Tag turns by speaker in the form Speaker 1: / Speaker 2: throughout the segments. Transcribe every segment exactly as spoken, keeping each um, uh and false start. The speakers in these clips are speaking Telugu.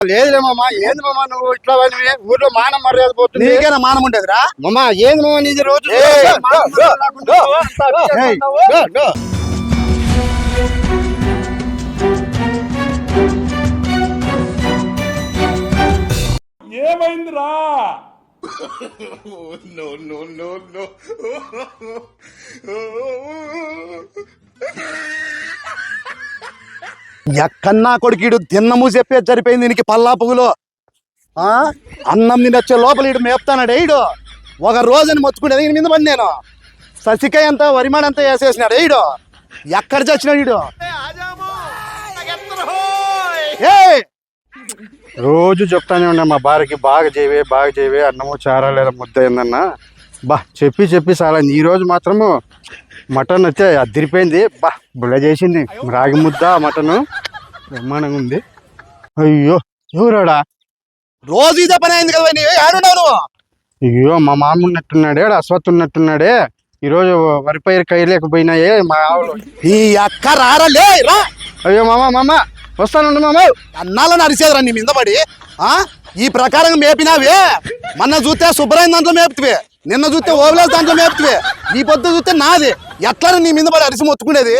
Speaker 1: లేదులే మామ. ఏంది మామ నువ్వు ఇట్లా వాడివి? ఊర్లో మానం మర్యాద పోతుంది.
Speaker 2: నీకేనా మానం ఉండేదిరా
Speaker 1: మామ? ఏంది మామ నీది రోజు
Speaker 3: ఏమైందిరా?
Speaker 2: ఎక్కన్నా కొడుకీడు తిన్నము చెప్పేది సరిపోయింది దీనికి పల్లా పువ్వులో ఆ అన్నం తినొచ్చే లోపల ఇడు మేపుతానాడు ఈడు ఒక రోజుని మొత్తుకునేది ఈయన మీద పడి నేను ససికాయ అంతా వరిమాడ అంతా వేసేసినాడు ఈడు ఎక్కడ చచ్చినాడు ఈడు రోజు చెప్తానే ఉన్నా మా భార్యకి బాగా చేయవే బాగా చేయవే అన్నము చారా లేదా ముద్ద ఏందన్నా బా చెప్పి చెప్పి చాలా ఈ రోజు మాత్రము మటన్ వచ్చే అదిరిపోయింది బా బుల్ల చేసింది రాగి ముద్ద మటన్ బ్రహ్మాండంగా ఉంది. అయ్యో ఎవరాడా రోజు ఇదే పని అయింది కదా నీవు ఆడున్నావు నువ్వు? అయ్యో మా మామ ఉన్నట్టున్నాడే అశ్వత్ ఉన్నట్టున్నాడే ఈరోజు వరి పైరు కైలేకపోయినాయే మా ఆవులు. ఈ అక్క రారలే రా. అయ్యో మామ మామ వస్తానండి మామ. అన్నాలని అరిసేదరా నీ మీద పడి ఆ ఈ ప్రకారం మేపినావే మొన్న చూస్తే శుభ్రమైన దాంట్లో మేపుతువే నిన్న చూస్తే ఓవలేస్ దాంట్లో మేపుతువే ఈ పొద్దు చూస్తే నాది ఎట్లా నీ మీద పడి అరిసి మొత్తుకునేది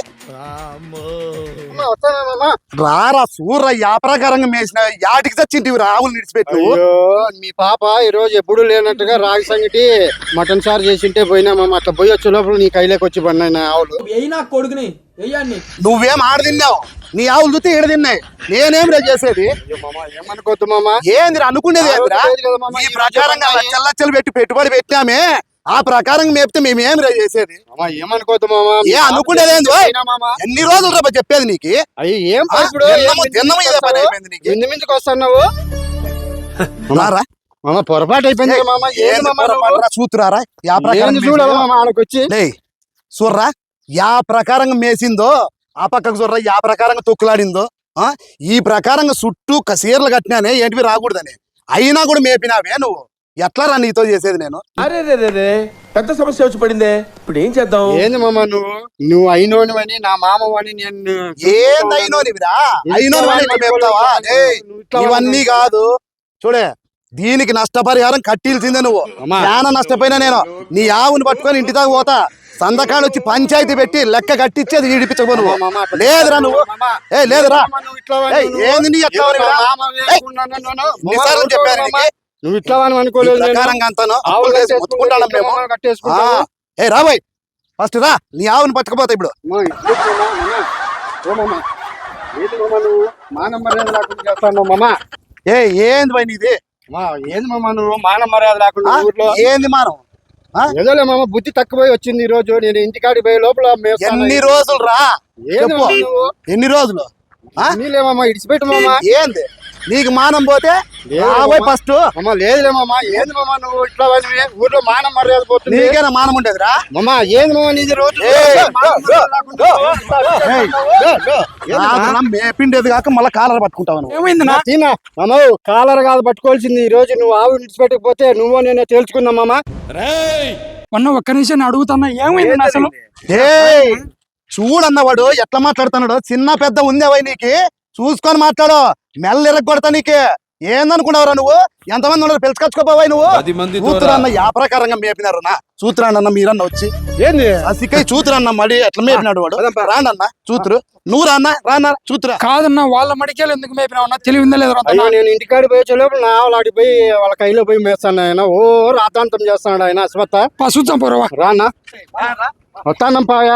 Speaker 2: రారా సూర్ర యా ప్రకారంగా మేసిన యాటికి చచ్చింటివి రావులు నిడిచిపెట్టు.
Speaker 1: మీ పాప ఈ రోజు ఎప్పుడు లేనట్టుగా రాగి సంగటి మటన్ సార్ చేసింటే పోయినా మామ. అట్లా పోయి వచ్చే లోపల నీ కైలోకి వచ్చి పడినా ఆవులు.
Speaker 4: కొడుకుని
Speaker 2: నువ్వేం ఆడ తిన్నావు నీ ఆవులు చూస్తే ఈడ తిన్నాయి నేనేం రే చేసేది
Speaker 1: ఏమనుకోద్దు మామ.
Speaker 2: ఏంది అనుకునేది ఈ ప్రకారంగా లచ్చలు లచ్చలు పెట్టి పెట్టుబడి పెట్టామే ఆ ప్రకారం మేపితే మేమేం రే చేసేది
Speaker 1: ఏమనుకోద్దు మామ.
Speaker 2: ఏ అనుకునేది ఎన్ని రోజులు రా చెప్పేది నీకు
Speaker 1: ఏం ఎన్ని మించుకు వస్తున్నావు
Speaker 2: రారా
Speaker 1: మామ? పొరపాటు అయిపోయింది మామ.
Speaker 2: చూతురారా యా ప్రకారం
Speaker 1: చూడాలి మామ ఆడకొచ్చి
Speaker 2: చూర్రా యా ప్రకారంగా మేసిందో ఆ పక్కకు చూర్రా యా ప్రకారంగా తొక్కులాడిందో ఆ ఈ ప్రకారంగా చుట్టూ కసీర్లు కట్టినానే ఏంటివి రాకూడదని అయినా కూడా మేపినావే నువ్వు ఎట్లా రా నీతో చేసేది నేను?
Speaker 3: అరే రే రే పెద్ద సమస్య వచ్చి పడిందే ఇప్పుడు ఏం చేద్దాం?
Speaker 1: ఏంది మామ నువ్వు నువ్వు అయినోనివని నా మామవని నేను
Speaker 2: ఏంది అయినోనివిరా అయినోనివని మేపుతావా? ఇవన్నీ కాదు చూడే దీనికి నష్టపరిహారం కట్టిల్సిందే నువ్వు. చాలా నష్టపోయినా నేను నీ ఆవుని పట్టుకొని ఇంటి దాకా పోతా సంతకాడు వచ్చి పంచాయతీ పెట్టి లెక్క కట్టించేది ఈడిపించబో నువ్వు. లేదురా నువ్వు ఏ లేదురా ఏంది నీ ఎట్లా చెప్పాను
Speaker 1: నువ్వు ఇట్లా అనుకోలేదు.
Speaker 2: ఏ రాబోయ్ ఫస్ట్ రా నీ ఆవుని పట్టుకుపోతా ఇప్పుడు. ఏ ఏంది పోయి నీది
Speaker 1: ఏంది మామ నువ్వు మాన మర్యాద లేకుండా
Speaker 2: ఏంది మానం?
Speaker 1: ఏదోలే మామ బుద్ధి తక్కువ వచ్చింది ఈ రోజు. నేను ఇంటికాడికి పోయే లోపల
Speaker 2: ఎన్ని రోజులు రా ఎన్ని రోజులు
Speaker 1: నీలేమమ్మా ఇడిచిపెట్టు మామ.
Speaker 2: ఏంది నీకు మానం పోతే ఫస్ట్
Speaker 1: అమ్మ లేదులే మామ. ఏంది మామ నువ్వు ఇట్లా వాడివి? ఊర్లో మానం మర్యాద పోతుంది.
Speaker 2: నీకేనా మానం ఉండేదిరా
Speaker 1: మామ? ఏంది మామ నీది రోజు
Speaker 2: మేపిండేది కాక మళ్ళీ కాలర్ పట్టుకుంటావు.
Speaker 1: ఏమైంది మామ? కాలర్ కాదు పట్టుకోవాల్సింది ఈ రోజు. నువ్వు ఆవు విడిచిపెట్టకపోతే నువ్వు నేనే తేల్చుకున్నా మామ.
Speaker 4: మొన్న ఒక్క నిమిషం అడుగుతున్నా ఏమైంది అసలు?
Speaker 2: ఏ చూడన్నవాడు ఎట్లా మాట్లాడుతున్నాడు? చిన్న పెద్ద ఉందేవై నీకు చూసుకొని మాట్లాడు. మెల్ల ఇరగొడతా నీకు ఏందనుకున్నావురా నువ్వు? ఎంతమంది ఉన్నారు పిలుచుకొచ్చుకోపోవాయి నువ్వు? చూతురన్న యా ప్రకారంగా మేపినారు నా చూతురాండన్న మీరన్న వచ్చి
Speaker 1: ఏంది
Speaker 2: అసికై చూతురన్న మడి ఎట్లా మేపినాడు వాడు. రాండన్న చూతురు నువ్వు రాన్న రాన్న చూతురా.
Speaker 4: కాదన్నా వాళ్ళ మడికేలు ఎందుకు మేపినావు? తెలివిందా లేదా?
Speaker 1: నేను ఇంటికాడి పోయే లోపల నా ఆవులాడికి పోయి వాళ్ళ కైలో పోయి మేస్తాను ఆయన. ఓ రాతాంతం చేస్తాడు ఆయన అశ్వత్థ.
Speaker 4: పశుత్వం పొరవా
Speaker 1: రానా వస్తానం పాయా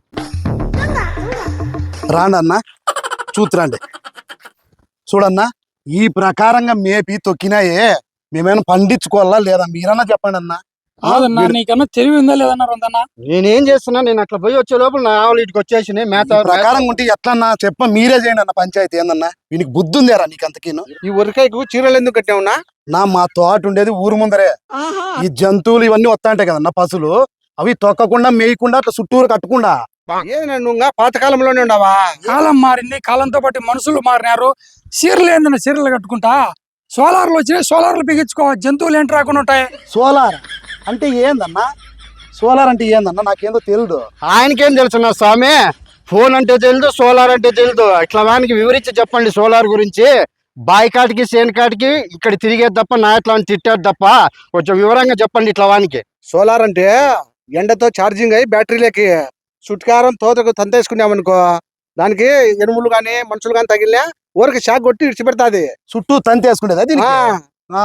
Speaker 2: రాండన్న చూతురండి. చూడన్నా ఈ ప్రకారంగా మేపి తొక్కినాయే మేమేమైనా పండించుకోవాలా లేదా మీరన్నా చెప్పండి అన్న.
Speaker 4: కాదన్నా నీకన్నా తెలివి ఉందా లేదన్నా?
Speaker 1: నేనేం చేస్తున్నా నేను అట్లా పోయి వచ్చే లోపల నా ఆవులు ఇటుకు వచ్చేసి మేత
Speaker 2: ప్రకారం ఉంటే ఎట్లన్నా చెప్ప మీరే చేయండి అన్న పంచాయతీ ఏందన్నా. వీనికి బుద్ధి ఉందేరా నీకు అంతకీను?
Speaker 1: ఈ ఉరకాయకు చీరలు ఎందుకు కట్టావునా?
Speaker 2: నా మా తోట ఉండేది ఊరు ముందరే. ఈ జంతువులు ఇవన్నీ వస్తా ఉంటాయి కదన్నా పశువులు అవి తొక్కకుండా మేయకుండా అట్లా చుట్టూరు కట్టకుండా.
Speaker 1: నువ్వు పాతకాలంలోనే ఉండవా?
Speaker 4: కాలం మారింది, కాలంతో పాటు మనుషులు మారినారు. చీరలు ఏందన్నా చీరలు కట్టుకుంటా? సోలార్లు వచ్చినాయి, సోలార్లు బిగించుకో. జంతువులు ఏంటి రాకుండా ఉంటాయి.
Speaker 2: సోలార్ అంటే ఏందన్నా? సోలార్ అంటే ఏందన్నా నాకేందో తెలియదు.
Speaker 1: ఆయనకేం తెలుసు నా స్వామి? ఫోన్ అంటే తెలియదు, సోలార్ అంటే తెలియదు. ఇట్లా వానికి వివరించి చెప్పండి సోలార్ గురించి. బాయి కాటికి సేను కాటికి ఇక్కడ తిరిగేది తప్ప నా ఇట్లా తిట్టాడు తప్ప కొంచెం వివరంగా చెప్పండి ఇట్లా వానికి.
Speaker 2: సోలార్ అంటే ఎండతో ఛార్జింగ్ అయ్యి బ్యాటరీలకి చుట్కారం తోతకు తంతేసుకున్నామనుకో దానికి ఎనుములు గాని మనుషులు గాని తగిలినా ఊరికి షాక్ కొట్టి ఇడిచిపెడతాది.
Speaker 5: చుట్టూ తంతి వేసుకునేదా దీనికి?
Speaker 2: ఆ,
Speaker 5: ఆ.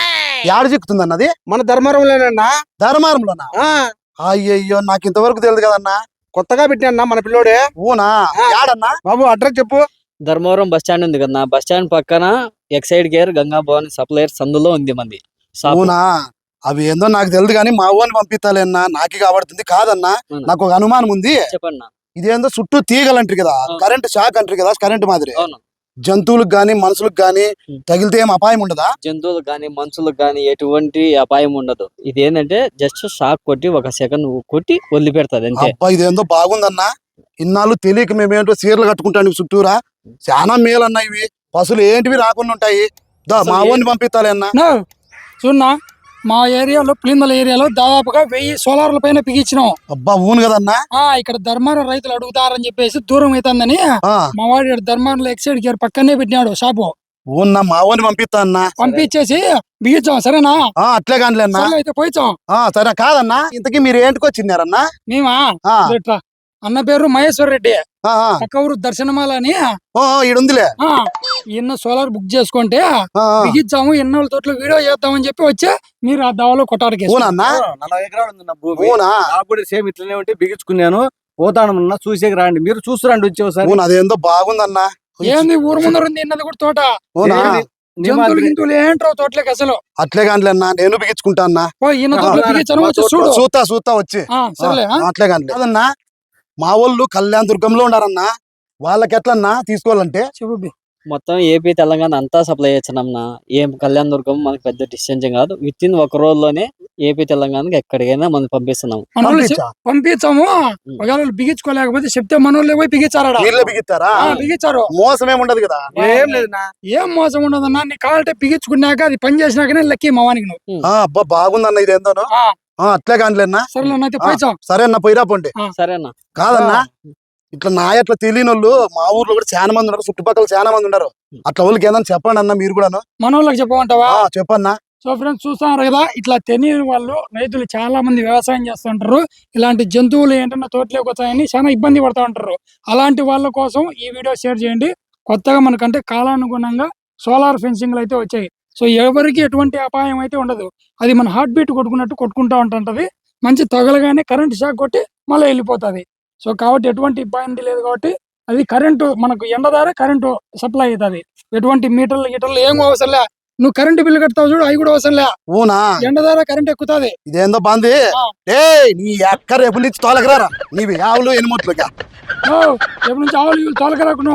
Speaker 5: యాడ చిక్కుతుంది అన్నది?
Speaker 2: మన ధర్మవరంలోనన్నా.
Speaker 5: ధర్మారంలోనా?
Speaker 2: ఆ,
Speaker 5: అయ్యయ్యో నాకు ఇంతవరకు తెలియదు కదన్నా.
Speaker 2: కొత్తగా పెట్టినా మన పిల్లోడే.
Speaker 5: ఊనా?
Speaker 2: ఆ.
Speaker 5: యాడన్నా?
Speaker 2: బాబు అడ్రస్ చెప్పు.
Speaker 6: ధర్మవరం బస్ స్టాండ్ ఉంది కదా, బస్ స్టాండ్ పక్కన Exide care Ganga Bhavan supplier సందులో ఉంది మంది షాపు.
Speaker 5: ఊనా? అవి ఏందో నాకు తెలియదు కానీ మా ఊని పంపిస్తాలేనా నాకే కాబడుతుంది కాదన్నా.
Speaker 6: అవునా?
Speaker 5: నాకు ఒక అనుమానం ఉంది.
Speaker 6: చెప్పండి.
Speaker 5: ఇదేందో చుట్టూ తీగలంటారు కదా,
Speaker 6: అవును.
Speaker 5: కరెంట్ షాక్ అంటారు కదా, కరెంట్ మాదిరి
Speaker 6: అవును,
Speaker 5: జంతువులకు గాని మనుషులకు గాని
Speaker 6: ఉం.
Speaker 5: తగిలితే ఏం అపాయం ఉండదా?
Speaker 6: జంతువులకు గానీ మనుషులకు గానీ ఎటువంటి అపాయం ఉండదు. ఇది ఏంటంటే జస్ట్ షాక్ కొట్టి ఒక సెకండ్ కొట్టి వదిలిపెడతాది అంతే.
Speaker 5: అబ్బా ఇదేందో బాగుందన్నా. ఇన్నాళ్ళు తెలియక మేమేంటో చీరలు కట్టుకుంటాను చుట్టూరా. చాలా మేలన్నా ఇవి. పశువులు ఏంటివి రాకుండా ఉంటాయి. దా మా
Speaker 6: అసలు
Speaker 5: ఊని పంపిస్తాలే అన్నా.
Speaker 4: నో చూడన్నా, మా ఏరియాలో పులిందల ఏరియాలో దాదాపుగా వెయ్యి సోలార్ల పైన బిగించినాం.
Speaker 5: అబ్బా ఊను కదన్నా.
Speaker 4: ఆ ఇక్కడ ధర్మారం రైతులు అడుగుతారని చెప్పేసి దూరం అవుతుందని
Speaker 5: ఆ
Speaker 4: మా వాడు ఈడ ధర్మారంలో ఎక్సైడ్ కేర్ పక్కనే పెట్టినాడు షాపు.
Speaker 5: ఊన్నా మా ఊని పంపిస్తా అన్నా.
Speaker 4: పంపించేసి బిగించాం. సరేనా?
Speaker 5: ఆ అట్లే కానిలే అన్నా.
Speaker 4: సరే అయితే పోయిచాం.
Speaker 5: ఆ సరే కాదన్నా, ఇంతకీ మీరు ఏంటికొచ్చినారన్నా?
Speaker 4: మేమా
Speaker 5: ఆ,
Speaker 4: ఇట్లా అన్న పేరు మహేశ్వర్ రెడ్డి,
Speaker 5: ఆ, ఆ.
Speaker 4: పక్క ఊరు దర్శనమాల అని.
Speaker 5: ఓ, ఓ, ఈడుందిలే.
Speaker 4: ఆ ఇన్న సోలార్ బుక్ చేసుకుంటే
Speaker 5: ఆ, ఆ.
Speaker 4: బిగించాము. ఎన్నోళ్ళ తోటలో వీడియో చేద్దామని చెప్పి వచ్చే మీరు ఆ దావలో కొట్టాడికి
Speaker 5: ఊనన్నా?
Speaker 3: నలభై ఎకరాలు ఉంది నా భూమి.
Speaker 5: ఊనా?
Speaker 3: నాకు కూడా సేమ్ ఇట్లనే ఉంటే బిగించుకున్నాను. పోతాను చూసేకి రండి, మీరు చూస్తురండి వచ్చి ఒకసారి.
Speaker 5: ఊను అదేందో బాగుందన్నా.
Speaker 4: ఏంది ఊరు ముందర ఉంది ఇన్నది కూడా తోట.
Speaker 5: ఊనా?
Speaker 3: ఏంది? నీ
Speaker 4: జంతువులు
Speaker 3: మాదిరి.
Speaker 4: గింతువులు ఏంట్రో తోటలోకి అసలు.
Speaker 5: అట్లే కానిలే అన్నా, నేను బిగించుకుంటా అన్నా.
Speaker 4: ఓ ఈయన తోటలో
Speaker 3: ఆ,
Speaker 4: బిగించాను, వచ్చి
Speaker 3: మా
Speaker 4: చూడు.
Speaker 5: చూస్తా చూస్తా వచ్చి.
Speaker 4: ఆ సరేలే. ఆ?
Speaker 5: ఆ, అట్లే కానిలే. కాదన్నా, మా వాళ్ళు కళ్యాణ దుర్గంలో ఉండారన్నా. వాళ్ళకి ఎట్లన్నా తీసుకోవాలంటే?
Speaker 4: చెప్పు బి.
Speaker 6: మొత్తం ఏపీ తెలంగాణ అంతా సప్లై చేస్తున్నాం. ఏం కళ్యాణ దుర్గం మనకి పెద్ద డిస్టెన్స్ కాదు. విత్ ఇన్ ఒక రోజులోనే ఏపీ తెలంగాణకి ఎక్కడికైనా మనం పంపిస్తున్నాం.
Speaker 4: మనోళ్ళు
Speaker 5: పంపించా?
Speaker 4: చెప్- పంపించాము. ఒకవేళ వాళ్ళు బిగించుకోలేకపోతే చెప్తే మనోళ్ళే పోయి బిగించారట.
Speaker 5: వీళ్ళే బిగిస్తారా?
Speaker 4: ఆ, బిగించారు.
Speaker 5: మోసం ఏముండదు కదా.
Speaker 3: ఏం లేదు నా.
Speaker 4: ఏం మోసం ఉండదన్నా, నీ కావాలంటే బిగించుకున్నాక అది పని చేసినాకనే లెక్కి మా వానికి నువ్వు.
Speaker 5: ఆ అబ్బా బాగుందన్న ఇదేందోనో.
Speaker 4: ఆ,
Speaker 5: ఆ అట్లే కానిలేనా.
Speaker 4: సరేలే అయితే
Speaker 5: ఆ,
Speaker 4: పోయిచాం.
Speaker 5: సరే అన్న పోయిరా పోండి.
Speaker 6: సరేనా?
Speaker 5: కాదన్నా, ఇట్లా నా ఎట్లా తెలియని వాళ్ళు మా ఊర్లో కూడా చాలా మంది ఉన్నారు, చుట్టుపక్కల చాలా మంది ఉన్నారు. అట్లా వాళ్ళకి ఏదన్నా చెప్పండి అన్న మీరు కూడాను.
Speaker 4: మనోళ్ళకి చెప్పమంటావా?
Speaker 5: ఆ చెప్పన్నా.
Speaker 4: సో ఫ్రెండ్స్ చూస్తున్నారు కదా, ఇట్లా తెలియని వాళ్ళు రైతులు చాలా మంది వ్యవసాయం చేస్తుంటారు. ఇలాంటి జంతువులు ఏంటన్నా తోటలోకి వచ్చాయని చాలా ఇబ్బంది పడుతూ ఉంటారు. అలాంటి వాళ్ళ కోసం ఈ వీడియో షేర్ చేయండి. కొత్తగా మనకంటే కాలానుగుణంగా సోలార్ ఫెన్సింగ్లు అయితే వచ్చాయి. సో ఎవరికి ఎటువంటి అపాయం అయితే ఉండదు. అది మన హార్ట్ బీట్ కొట్టుకున్నట్టు కొట్టుకుంటా ఉంటుంటది. మంచి తగలగానే కరెంట్ షాక్ కొట్టి మళ్ళీ వెళ్ళిపోతుంది. సో కాబట్టి ఎటువంటి ఇబ్బంది లేదు. కాబట్టి అది కరెంటు మనకు ఎండ ద్వారా కరెంటు సప్లై అవుతుంది. ఎటువంటి మీటర్లు గీటర్లు ఏం అవసరం లే. నువ్వు కరెంటు బిల్లు కడతావు చూడు, అవి కూడా అవసరం లే.
Speaker 5: ఊనా?
Speaker 4: ఎండ ద్వారా కరెంట్ ఎక్కుతుంది.
Speaker 5: ఇదేందో బాంది.
Speaker 4: ఆ.
Speaker 5: ఏ నీ ఎక్క రేపు నుంచి తోలకరారా నీవి ఆవులు ఎనిమోట్లుగా.
Speaker 4: ఓ, ఎప్పటి నుంచి ఆవులు ఇవులు తోలకరాకుండా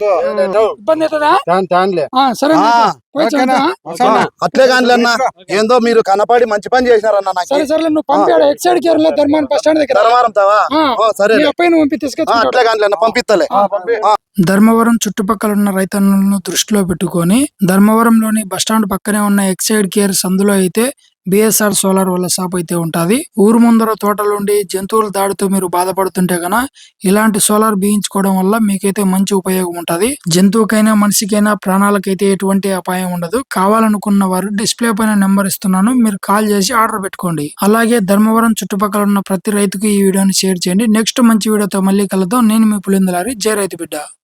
Speaker 4: ఇబ్బంది అవుతుందా?
Speaker 1: తాను తానులే.
Speaker 4: ఆ, సరే
Speaker 5: ఆ,
Speaker 4: పోయి
Speaker 5: అట్లే కానిలే అన్న. ఏందో మీరు కనపడి మంచి పని చేసినారన్న నాకు.
Speaker 4: సరే సరే నువ్వు పంపాడు ఎక్సైడ్ కేర్ లో ధర్మాన్ బస్ స్టాండ్ దగ్గర.
Speaker 5: ధర్మారం తావా?
Speaker 4: ఆ,
Speaker 5: ఓ, సరే
Speaker 4: నీ అబ్బాయిని పంపి
Speaker 5: ఆ,
Speaker 4: తీసుకొచ్చుకుంటాడు.
Speaker 5: అట్లే కానిలే అన్న పంపిస్తలే.
Speaker 4: ధర్మవరం చుట్టుపక్కల ఉన్న రైతన్నులను దృష్టిలో పెట్టుకొని ధర్మవరంలోని బస్టాండ్ పక్కనే ఉన్న ఎక్సైడ్ కేర్ సందులో అయితే బిఎస్ఆర్ సోలార్ వాళ్ళ షాప్ అయితే ఉంటది. ఊరు ముందర తోటలుండి జంతువుల దాడితో మీరు బాధపడుతుంటే గన ఇలాంటి సోలార్ బిగించుకోవడం వల్ల మీకైతే మంచి ఉపయోగం ఉంటది. జంతువుకైనా మనిషికైనా ప్రాణాలకైతే ఎటువంటి అపాయం ఉండదు. కావాలనుకున్న వారు డిస్ప్లే పైన నెంబర్ ఇస్తున్నాను, మీరు కాల్ చేసి ఆర్డర్ పెట్టుకోండి. అలాగే ధర్మవరం చుట్టుపక్కల ఉన్న ప్రతి రైతుకు ఈ వీడియోని షేర్ చేయండి. నెక్స్ట్ మంచి వీడియోతో మళ్ళీ కలుద్దాం. నేను మీ పులిందలారి, జై రైతు బిడ్డ.